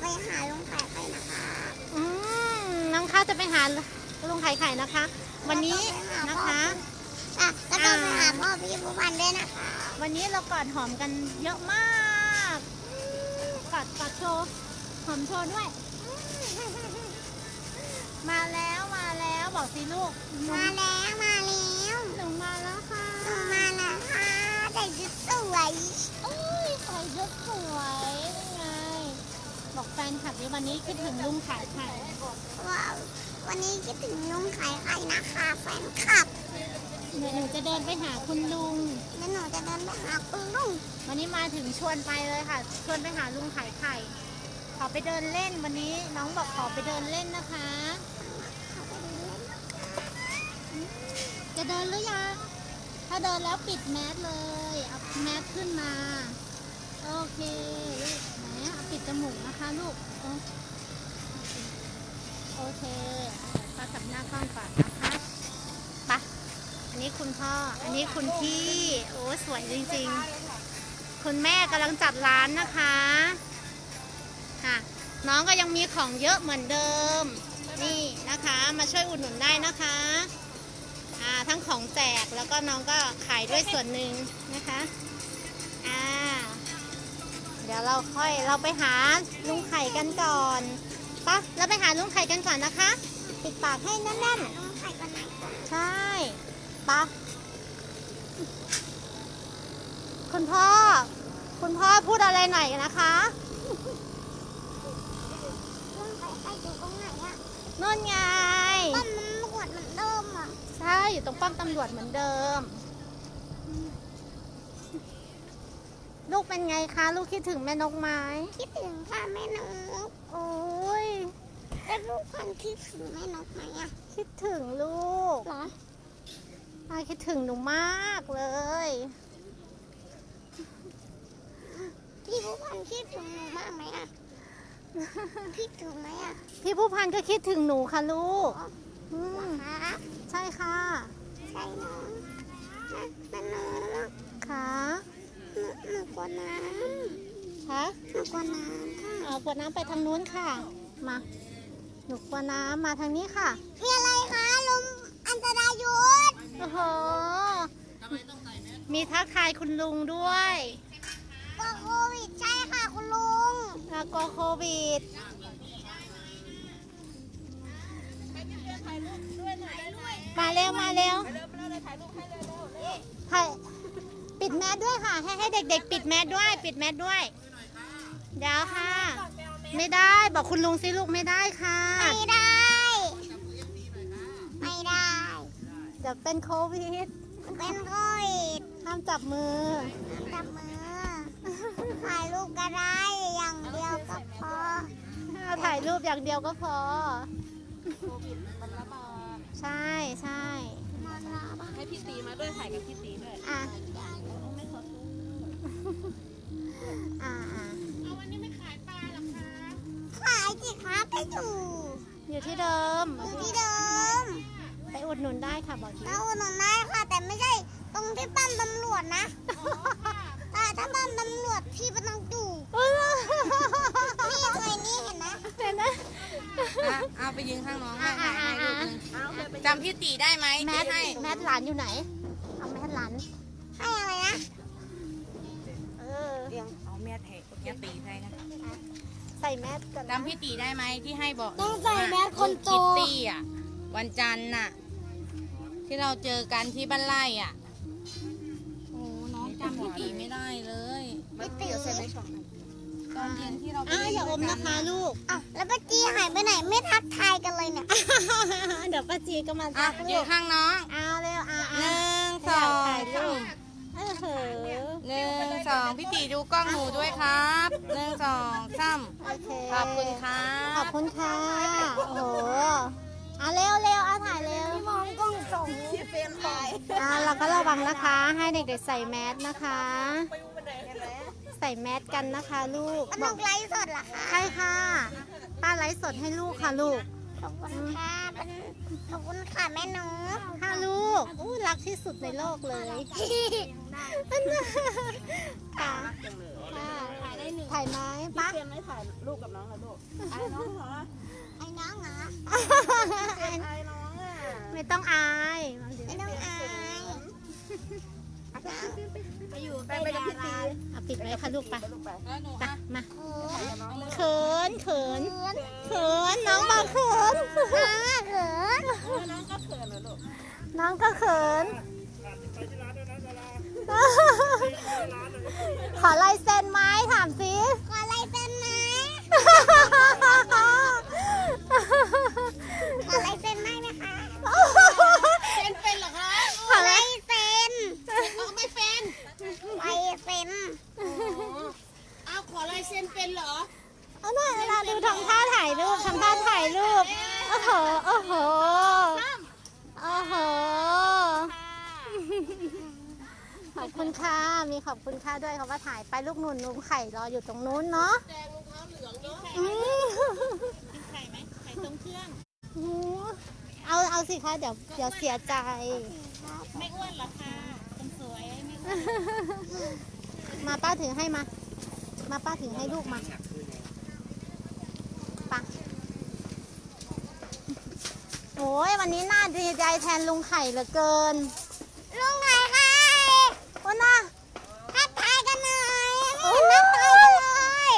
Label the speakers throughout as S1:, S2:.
S1: หาลุงไข่ไข่นะคะ
S2: น้องข้าวจะไปหาลุงไข่ไข่นะคะ วันนี้นะคะ
S1: แล้วก็ไปหาพ่อพี่ผู้พันด้วยนะคะ
S2: วันนี้เรากอดหอมกันเยอะมาก กอดโชว์หอมโชว์ด้วย มาแล้วบอกสิลูก
S1: มาแล้ว
S2: หนูมาแล้วค่ะ
S1: มาแล้วค่ะแต่ชุดสวย
S2: ใส่ชุดสวยนี่ไงบอกแฟนคลับดิวันนี้คิดถึงลุงขายไข่
S1: ว้าววันนี้คิดถึงลุงไข่ไข่นะคะแฟนคลับ
S2: เดี๋ยวหนูจะเดินไปหาคุณลุง
S1: แล้วหนูจะเดินไปหาคุณลุง
S2: วันนี้มาถึงชวนไปเลยค่ะ ชวนไปหาลุงขายไข่ ขอไปเดินเล่นวันนี้น้องบอกขอไปเดินเล่นนะคะ จะเดินหรือยัง ถ้าเดินแล้วปิดแมสเลย เอาแมสขึ้นมา โอเคลูกไหนเอาปิดจมูกนะคะลูก โอเคป้าจับหน้ากล้องก่อนนะคะไปอันนี้คุณพ่อ อันนี้คุณพี่ โอ้สวยจริงๆ คุณแม่กำลังจัดร้านนะคะค่ะน้องก็ยังมีของเยอะเหมือนเดิม นี่นะคะ มาช่วยอุดหนุนได้นะคะทั้งของแจกแล้วก็น้องก็ขายด้วยส่วนหนึ่งนะคะเดี๋ยวเราไปหาลุงไข่กันก่อนปะเราไปหาลุงไข่กันก่อนนะคะ ปิดปากให้แน่น
S1: ลุงไข่กันไหน
S2: ๆใช่ปะคุณพ่อพูดอะไรหน่อยนะคะ
S1: ลุงไข่ไข่อยู่ตรงไหนอะ
S2: นู่นไง
S1: ป้อมมันหวดเหมือนเดิมอะ
S2: ใช่อยู่ตรงป้อมตำรวจเหมือนเดิม ลูกเป็นไงคะ ลูกคิดถึงแม่นกไหม
S1: คิดถึงค่ะแม่นก
S2: โอ้ย
S1: แล้วลูกพันคิดถึงแม่นกไหมอะ
S2: คิดถึงลูก
S1: เหรอ
S2: คิดถึงหนูมากเลย
S1: พี่ผู้พันคิดถึงหนูมากไหมอะคิดถึงไหมอะ
S2: พี่ผู้พันก็คิดถึงหนูค่ะลูก
S1: เหรอคะ
S2: ใช่ค่ะ
S1: ใช่น้องนะแม่นก
S2: ค่ะ
S1: หนูกลัวน้
S2: คะ
S1: ำหนูกลัวน้ำค่ะ
S2: เอาขวดน้ำไปทางนู้นค่ะ มา หนูกลัวน้ำมาทางนี้ค่ะ
S1: มีอะไรคะลมอันตรายหยุด
S2: โอ้โห มีทักทายคุณลุงด้วย
S1: กลัวโควิดใช่ค่ะคุณลุง
S2: แล้วก็โควิด มาเร็วถ่ายปิดแมสด้วยค่ะ ให้เด็กๆ ปิดแมสด้วย เดี๋ยวค่ะ ไม่ได้บอกคุณลุงสิลูกไม่ได้ค่ะ
S1: ไม่ได้ ไม่ได้
S2: เดี๋ยวเป็นโควิด
S1: เป็นโควิด
S2: ห้ามจับมือ
S1: จับมือถ่ายรูปก็ได้อย่างเดียวก็พอ
S2: ถ่ายรูปอย่างเดียวก็พอ
S3: มันระบาด
S2: ใช่
S1: มันละบ้า
S3: ให้พี่ตีมาด้วยถ่ายกับพี่ตีด้วย
S2: อ่ะ
S3: ไม่ขอซื้อ
S2: เอาวันนี้ไม่ขายปลาหรอคะ
S1: ขายสิคะไปอยู่
S2: อยู่ที่เดิม
S1: อยู่ที่เดิม
S2: ไปอุดหนุนได้ค่ะบอกที
S1: แล้วอุดหนุนได้ค่ะ แต่ไม่ใช่ตรงที่ป้อมตำรวจนะแต่ถ้าป้อมตำรวจพี่ไม่ต้องอยู่นี่เคยนี่เห็นไหม
S2: เห็นไหม
S3: เอาไปยืนข้างน้องให้ถ่ายให้รูปนึงจำพี่ตีได้ไหม
S2: แม
S3: ที่
S2: ส
S3: ให้
S2: หลานอยู่ไหน เอาแมสหลาน
S1: ให้อะไรนะ
S2: เออ
S3: เรียงเอาเมียเทะเมียตีให้นะ
S2: ใส่แมสกันนะ
S3: จำพี่ตีได้ไหมที่ให้บอก
S1: ต้องใส่แมสคนโต
S3: คิตตี้อ่ะวันจันทร์น่ะ ที่เราเจอกันที่บ้านไร่อ่ะโอ้น้องจำพี่ตีไม่ได้เลย
S1: ไม่ตี
S3: ตอนเย็นที่เราไป
S2: อย่าอม
S3: เล่
S2: นะคะลูก
S1: อ้าวแล้วป้าจีหายไปไหนไม่ทักทายกันเลยเนี่ย
S2: เดี๋ยวป้าจีก็มา
S3: อ่ะ
S2: ทัก
S3: ยื
S2: ลู
S3: น
S2: ก
S3: ข้างน้อง
S2: เอาเร็ว
S3: ห
S2: เอา
S3: นึ่งสอง
S2: ถ่ายรูป
S3: หนึ่งสองพี่ตีดูกล้องหนูด้วยครับหนึ่งสองสาม
S2: โอเค
S3: ขอบคุณครั
S2: ขอ
S3: บบ
S2: คุณค่ะ โอ้โหเอาเร็วเอาถ่ายเร็ว
S1: มองกล้องส่งที่เฟรมไป
S2: เราก็ระวังนะคะ ให้เด็กๆใส่แมสนะคะ ใส่แมสกันนะคะลูก
S1: นกไลฟ์สดเหรอคะ
S2: ใช่ค่ะ ป้าไลฟ์สดให้ลูกค่ะลูก
S1: ขอบคุณค่ะขอบคุณค่ะแม่นก
S2: ค่ะลูกอู้รักที่สุดในโลกเลยค่ะค่ะถ่ายไหมปะ
S4: เพียนไม่ถ่ายรูปกับน้องเหรอลูกไอ้น้องเหรอ
S1: ไอ้น้องเหรอ
S4: ไอ้น้องอ่ะ
S2: ไม่ต้องอาย
S1: ไม่ต้องอาย
S4: ไปอยู่ไปกับพี่ตี
S2: เอาปิดไว้ค่ะลูกไป
S4: ไปลูกไป
S3: แล้วหนู
S2: ไป
S3: อ่ะ
S2: มา
S1: โอ้
S4: ถ่ายกับน้องเลย
S2: เขินเขินเขินน้องบอกเขิน
S1: เขิน
S4: น้องก็เขินเหรอลูก
S2: น้องก็เขิน ขอลายเซ็นไหมถามสิ
S1: ขอลายเซ็นไหมขอลายเซ็นได้ไหมคะ
S3: เซ็นเป็นเหรอคะ
S2: ขอลาย
S1: เซ็น
S3: เอาไม่เป็น
S1: ลายเซ็น
S3: เอาขอลายเซ็นเป็นเหรอ
S2: เอาหน่อยเวลาดูทำท่าถ่ายรูปทำท่าถ่ายรูปโอ้โหโอ้โหโอ้โหขอบคุณค่ะมีขอบคุณค่ะด้วยเขาว่าถ่ายไปลูกหนุ่นลุงไข่รออยู่ตรงนู้นเนาะ
S3: แดงรองเท้าเหลืองเยอะ
S2: อืม
S3: กินไข่ไหมไข่ต้มเครื่อง
S2: เอาสิคะเดี๋ยวเสียใจ
S3: ไม่อ้วนเหรอคะคนสวยไม่อ้วน
S2: มาป้าถือให้มาป้าถือให้ลูกมาไป่ะโอ้ยวันนี้น่าดีใจแทนลุงไข่เหลือเกิน
S1: ลุงไข่ค่ะ
S2: โอ้น่า
S1: ทักทายกันหน่อยไม่เห็นทักทายกันเลย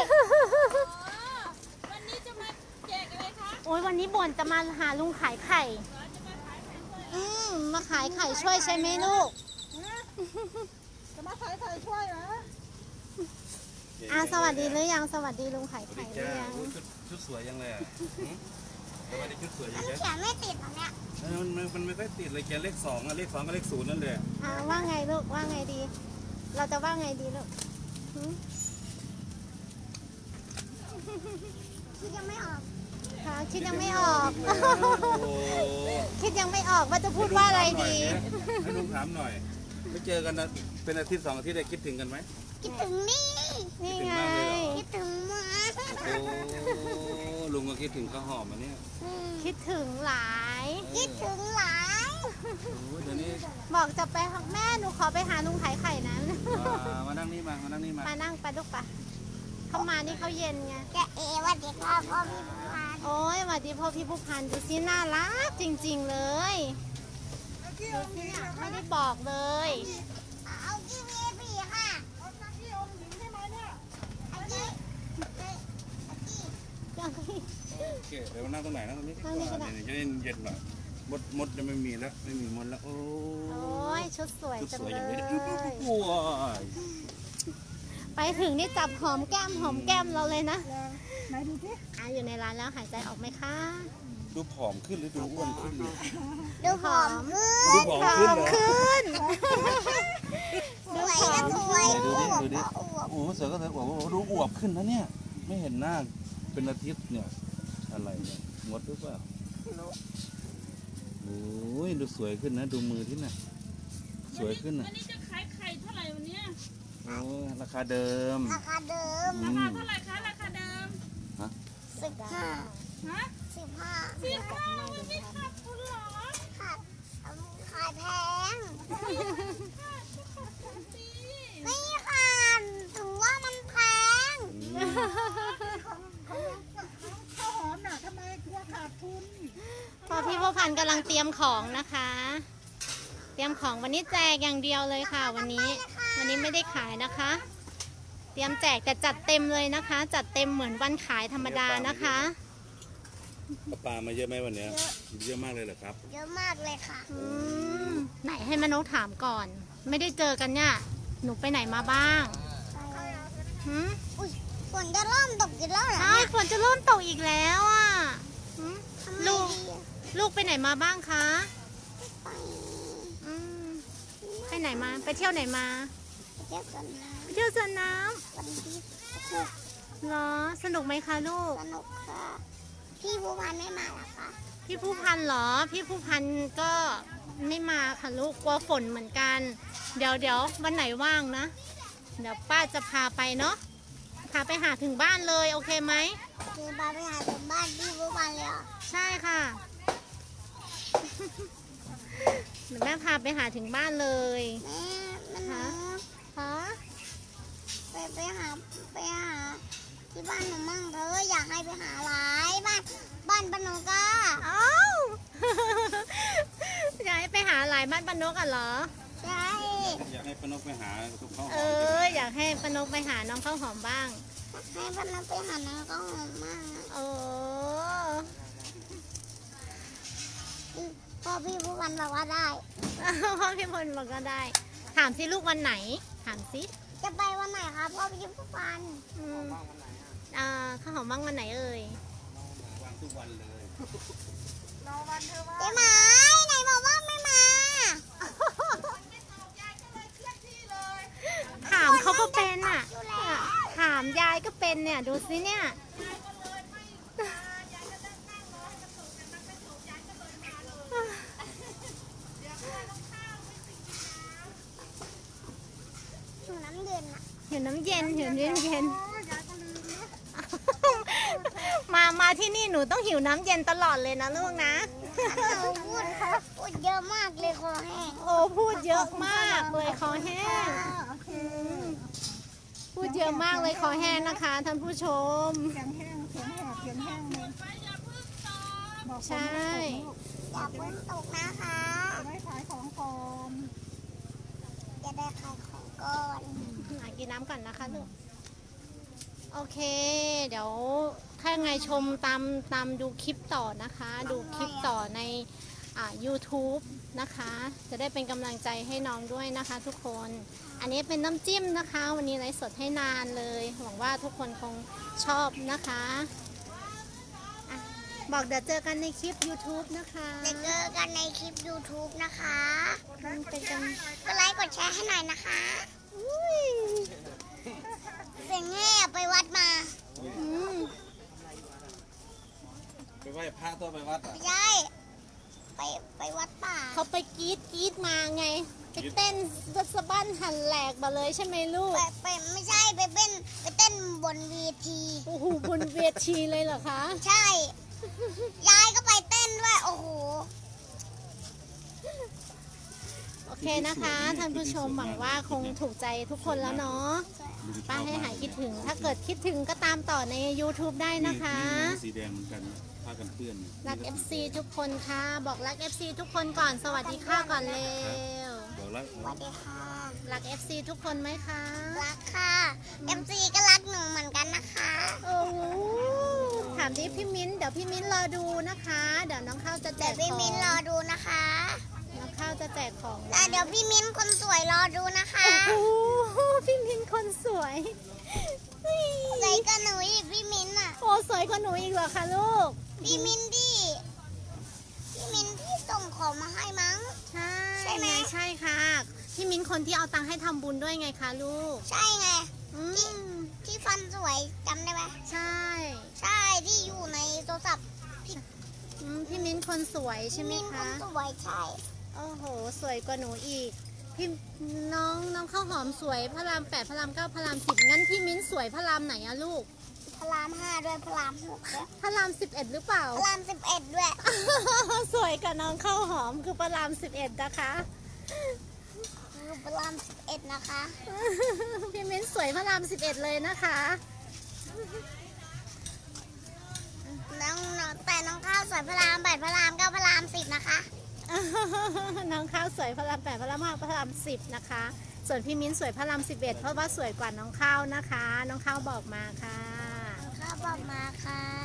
S3: วันนี้จะมาแจกอะไรคะ
S2: โอ้ยวันนี้บ่นจะมาหาลุงขายไข่มาขายไข่ช่วยใช่ไหมลูก
S4: จะมาถ่ายช่วยนะ
S2: สวัสดีหรือยังสวัสดีลุงขาย
S5: สวัส
S2: ไข่
S5: ดี
S2: หรือ
S5: จ้า
S2: ยัง
S5: ชุดสวยยังเลยอ่ะทำไมได้ชุดสวยอย่าง
S1: มัน
S5: เงี้ย
S1: เขียนไม่ติดเหรอเนี่ย
S5: มันไม่ค่อยติดเลยแกเลข 2อ่ะเลข 2กับเลข 0นั่นเลย
S2: ว่าไงลูกว่าไงดี เราจะว่าไงดีลูกหืม
S1: คิดยังไม่ออก
S2: คะคิดยังไม่ออก
S5: โอ้โห
S2: คิดยังไม่ออกว่าจะพูดว่าอะไรดี
S5: ให้ลุงถามหน่อยไม่เจอกันนะเป็นอาทิตย์2 อาทิตย์ได้คิดถึงกันไหม
S1: คิดถึงนี่
S2: นี่ไง
S1: คิดถึงหมา
S5: โอ้ลุงก็คิดถึงข้าวหอมอันเนี้ย
S2: คิดถึงหลาย
S1: คิดถึงหลาย
S5: โอ้เดี๋ยวนี้
S2: บอกจะไปหาแม่หนูขอไปหาลุงขายไข่นะ
S5: มานั่งนี่มานั่งนี่มา
S2: มานั่งไปลูกปะเข้ามานี่เขาเย็นไง
S1: แกเอว่าเด็กพ่อพ่อพี่บุพาน
S2: โอ้ยสวัสดีพ่อพี่ผู้พันดูสิน่ารักจริงๆเลยดูสิเนี่ยไม่ได้บอกเลย
S1: เอากี้วีบีค่ะเอากี้องค์หญิงใช่ไหมเนี่ยอากี้
S5: โอเคเดี๋ยวมานั่งตรงไหนนั่งตรงนี้ดีกว่า
S2: นั่งนี่ก็ได้
S5: เดี๋ยวจะเย็นหน่อยมดจะไม่มีแล้วไม่มีมดแล้วโอ้
S2: โอ้ยชุดสวย
S5: ชุด
S2: จัง
S5: สวย
S2: เล
S5: อย่างนี้
S2: ย
S5: โอ้ย
S2: ไปถึงนี่จับหอมแก้มเราเลยนะ
S4: ไหนดูสิ
S2: อยู่ในร้านแล้วหายใจออกไหมคะ
S5: ดูผอมขึ้นหรือดูอ้วนขึ้นเนี่ย
S1: ดูผอมขึ้น
S5: ดูผอมขึ้นเหรอ
S2: ขึ้น
S1: สวยก็สวย
S5: ดูดิ
S1: อวบ
S5: ดูดิ
S1: ก็อวบ
S5: โอ้โหเสือก็เสือโอ้โหดูอวบขึ้นนะเนี่ย ไม่เห็นหน้าเป็นอาทิตย์เนี่ย อะไรเนี่ยงดหรือเปล่าโอ้ยดูสวยขึ้นนะ ดูมือที่น่ะ สวยขึ้นนะ
S3: วันนี้จะขายไข่เท่าไหร่วันเนี้ย
S5: โอ้ยราคาเดิม
S1: ราคาเดิม
S5: อื
S3: ราม คาเท่าไหร่คะราคาเดิม
S1: 15
S3: ฮะ
S1: 15
S3: 15มันไม่ขาดทุนเหรอ
S1: ขาดขายแพง
S3: ดี
S1: ไม่ขาดถึงว่ามันแพง
S4: ข้าวหอมน่ะทำไมกลัวขาดทุน
S2: พอพี่ผู้พันกำลังเตรียมของนะคะ เตรียมของวันนี้แจกอย่างเดียวเลยค่ะ วันนี้ไม่ได้ขายนะคะ เตรียมแจกแต่จัดเต็มเลยนะคะ จัดเต็มเหมือนวันขายธรรมดานะคะ
S5: ปลามาเยอะไหมวันเนี้ยเยอะมากเลยเหรอครับ
S1: เยอะมากเลยค่ะ
S2: ไหนให้แม่นกถามก่อน ไม่ได้เจอกันเนี่ยหนูไปไหนมาบ้างหืม
S1: อุ้ยฝนจะเริ่มตกอีกแล้วเหรอ
S2: ใช่ฝนจะเริ่มตกอีกแล้วอ่ะหืม
S1: ทำไม
S2: ลูก
S1: ดีอะ
S2: ลูกไปไหนมาบ้างคะ
S1: ไป
S2: อืมไปไหนมา ไปเที่ยวไหนมา
S1: เที่ยวกันนะ
S2: ไปเที่ยวสวนน้
S1: วันที่6
S2: ำเหรอ สนุกไหมคะลูก
S1: สนุกค่ะ พี่บัวพันไม่มาเหรอคะ
S2: พี่ผู้พันเหรอ พี่ผู้พันก็ไม่มาค่ะลูก กลัวฝนเหมือนกัน เดี๋ยววันไหนว่างนะ เดี๋ยวป้าจะพาไปเนาะ พาไปหาถึงบ้านเลยโอเคไหม
S1: คือพาไปหาถึงบ้านพี่บัวพันเลยเหรอ
S2: ใช่ค่ะ เดี๋ยวแม่พาไปหาถึงบ้านเลย
S1: แม่มันหนู
S2: คะ
S1: ไปไปหาที่บ้านหนูมั่งเธออยากให้ไปหาหลายบ้านปนกา
S2: เอ้า อยากให้ไปหาหลายบ้านปานกอ่ะเหรอ
S1: ใช่
S5: อยากให้ป้านกไปหาทุกข้าวห
S2: เอ
S5: อม
S2: อยากให้ปานกไปหาน้องข้าวหอมบ้าง
S1: ให้ปนกไปหาน้องก็หอมมาก
S2: โอ้
S1: พ่อพี่ผู้กันบอกว่าได้
S2: พ่อพี่พลบอกก็ได้ ถามสิลูกวันไหน ถามสิ
S1: จะไปวันไหนคะพ่อพี่ผู้กัน
S2: อืมข้าวหอมบ้างวันไหนเอ่ย
S5: วางทุกวันเลย
S4: รอวันเธอว่า
S1: เจ๊หมายไหนบอกว่าไม่มา
S2: ถามเขาก็เป็นอ่ะ ถามยายก็เป็นเนี่ย ดูสิเนี่ย
S1: อยู่น้ำเย็นอะ
S2: หิวน้ำเย็นหิวเย็นเย็น
S4: โอ้ยยายก็ลืมนะ
S2: มาที่นี่หนูต้องหิวน้ำเย็นตลอดเลยนะลูกนะ
S1: หนูพูดเยอะมากเลยคอแห้ง
S2: โอ้พูดเยอะมากเลยคอแห้ง
S4: โอเค
S2: พูดเยอะมากเลยคอแห้งนะคะท่านผู้ชม
S4: เสียงแห้งเสียงแหบเสียงแห้งเลยบอก
S2: ใช่
S1: อย่าเพิ่งตกนะคะ
S4: จะได้ขายของก่อน
S1: อย่าได้ขายของก่อน
S2: กินน้ำก่อนนะคะลูก โอเค เดี๋ยวถ้าไงชมตามดูคลิปต่อนะคะ ดูคลิปต่อในYouTube นะคะ จะได้เป็นกำลังใจให้น้องด้วยนะคะ ทุกคน อันนี้เป็นน้ำจิ้มนะคะ วันนี้ไลฟ์สดให้นานเลย หวังว่าทุกคนคงชอบนะคะอ่ะบอกเดี๋ยวเจอกันในคลิป YouTube นะคะ
S1: จะเจอกันในคลิป YouTube นะคะ
S2: เป็นกัน
S1: กดไลค์กดแชร์ให้หน่อยนะคะ
S2: อุ้ย
S1: เสียงแง่ไปวัดมา
S2: อืม
S5: ไปไหว้พระตัวไปวัดอ่ะ
S1: ไม่ใช่ไปวัดป่า
S2: เขาไปกรีดมาไง ไปเต้นสะบั้นหันแหลกมาเลยใช่ไหมลูก
S1: ไปไม่ใช่ไปเต้นบนเวที
S2: โอ้โหบนเวทีเลยเหรอคะ
S1: ใช่ ยายก็ไปเต้นด้วย โอ้โห
S2: โอเคนะคะท่านผู้ชมหวังว่าคงถูกใจทุกคนแล้วเนาะป้าให้หายคิดถึง ถ้าเกิดคิดถึงก็ตามต่อใน YouTube ได้นะคะ
S5: สีแดงเหมือนกันผ้ากันเปื้อน
S2: รัก FC ทุกคนค่ะ บอกรัก FC ทุกคนก่อนสวัสดีค่ะก่อนเร็ว
S5: บอกแล้ว
S1: สวัสดีค่ะ
S2: รัก FC ทุกคนไหมคะ
S1: รักค่ะ MC ก็รักหนูเหมือนกันนะคะ
S2: โอ้โหถามดิพี่มิ้นเดี๋ยวพี่มิ้นรอดูนะคะ เดี๋ยวน้องข้าวจะแจ
S1: เดี๋ย
S2: ก
S1: ว
S2: ข
S1: พี่
S2: อง
S1: มิ้นรอดูนะคะ
S2: น้องข้าวจะแจกของ
S1: แล้วเดี๋ยวพี่มิ้นคนสวยรอดูนะคะ
S2: โอ้โหพี่มิ้นคนสวย
S1: สวยกับหนูอีกพี่มิ้นอ่ะ
S2: โอ้สวยกว่าหนูอีกเหรอคะลูก
S1: พี่มิ้นที่ส่งของมาให้มั้ง
S2: ใช่
S1: ใช่ไหม
S2: ใช่ค่ะ พี่มิ้นคนที่เอาตังค์ให้ทำบุญด้วยไงคะลูก
S1: ใช่ไง
S2: อืม
S1: ที่ฟันสวยจำได้ไหม
S2: ใช่
S1: ใช่ที่อยู่ในโทรศัพท์
S2: พี่มิ้นคนสวยใช่ไหม
S1: มิ้นค
S2: คะ
S1: นสวยใช่
S2: โอ้โห สวยกว่าหนูอีก พี่น้องข้าวหอมสวยพระราม8พระราม9พระราม10งั้นพี่มิ้นสวยพระรามไหนอะลูก
S1: พระราม 5 ด้วยพระราม 6 ด้วย
S2: พระราม11หรือเปล่า
S1: พระราม 11 ด้วย
S2: สวยกับน้องข้าวหอมคือพระราม11นะคะ
S1: คือพระราม 11 นะคะ
S2: พี่มิ้นสวยพระราม11เลยนะคะ
S1: แต่น้องข้าวสวยพระราม 8 พระราม 9 พระราม 10 นะคะ
S2: น้องข้าวสวยพระราม8พระราม5พระราม10นะคะ ส่วนพี่มิ้นสวยพระราม11เพราะว่าสวยกว่าน้องข้าวนะคะ น้องข้าวบอกมาค่ะ
S1: ข้าวบอกมาค่ะ